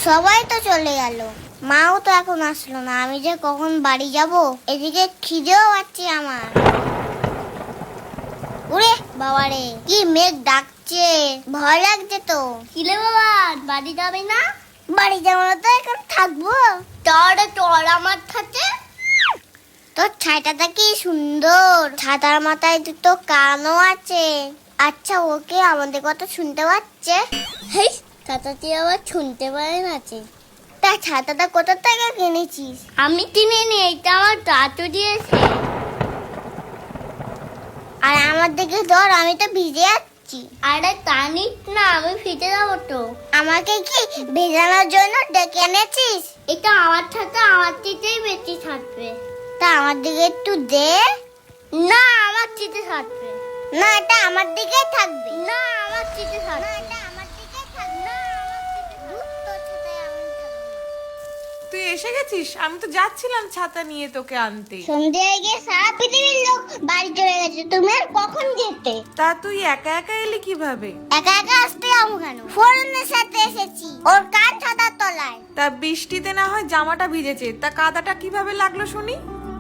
সবাই তো চলে গেল, মাও তো এখন আসলো না। আমি যে কখন বাড়ি যাব, এদিকে খিদেও পাচ্ছে আমার। ওরে বাবারে, কি মেঘ ডাকছে, ভয় লাগছে তো। কিলে বাবা, বাড়ি যাবে না? বাড়ি যাবো না তো এখন থাকবো। তোর আমার সাথে। তোর ছাতাটা কি সুন্দর, ছাতার মাথায় দুটো কানও আছে। আচ্ছা, ওকে আমাদের কথা শুনতে পাচ্ছে? হেই, ছাতাটি আবার শুনতে পারে না। তা ছাতাটা কোথা থেকে কিনেছিস? আমি কিনিনি, এটা আমার দাদু দিয়েছে। আর আমার দিকে ধর, আমি তো ভিজে যাচ্ছি। আরে টানিস না, আমি ভিজে যাবো তো। আমাকে কি ভেজানোর জন্য ডেকে এনেছিস? এটা আমার ছাতা, আমার দিকেই বেশি থাকবে। তা আমার দিকে একটু দে। না, আমার দিকে থাকবে না, এটা আমার দিকেই থাকবে। না, আমার দিকে থাকবে। না, এটা আমার দিকেই থাকবে। না, তোর ছাতায় আমি থাকবো। তুই এসে গেছিস? আমি তো যাচ্ছিলাম ছাতা নিয়ে তোকে আনতে। সন্ধ্যে হয়ে গিয়ে সারা পৃথিবীর লোক বাড়ি চলে গেছে, তুমি আর কখন যেতে? তা তুই একা একা এলি কিভাবে? একা একা আসতে যাবো কেন? ফোরনের সাথে এসেছি, ওর কান ছাতার তলায়। তা বৃষ্টিতে না হয় জামাটা ভিজেছে, তা কাদাটা কিভাবে লাগলো শুনি?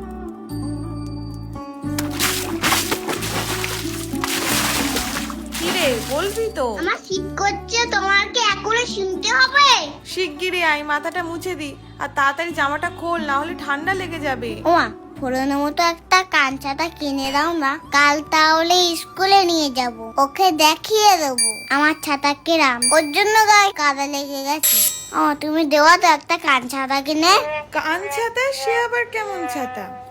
কিরে, বলবি তো? আমার শীত করছে, তোমার কি এখনো শুনতে হবে? শিগগিরই আয়, মাথাটা মুছে দি, আর তাড়াতাড়ি জামাটা খোল, না হলে ঠান্ডা লেগে যাবে। ওমা, ফোরনের মতো একটা কান ছাতা কিনে দাও না, কাল তাহলে স্কুলে নিয়ে যাব, ওকে দেখিয়ে দেবো আমার ছাতা কিরাম। ওর জন্য গায়ে কাদা লেগে গেছে। তুমি দেওয়া তো একটা কান ছাতা কিনে। কান ছাতা? সে আবার কেমন ছাতা?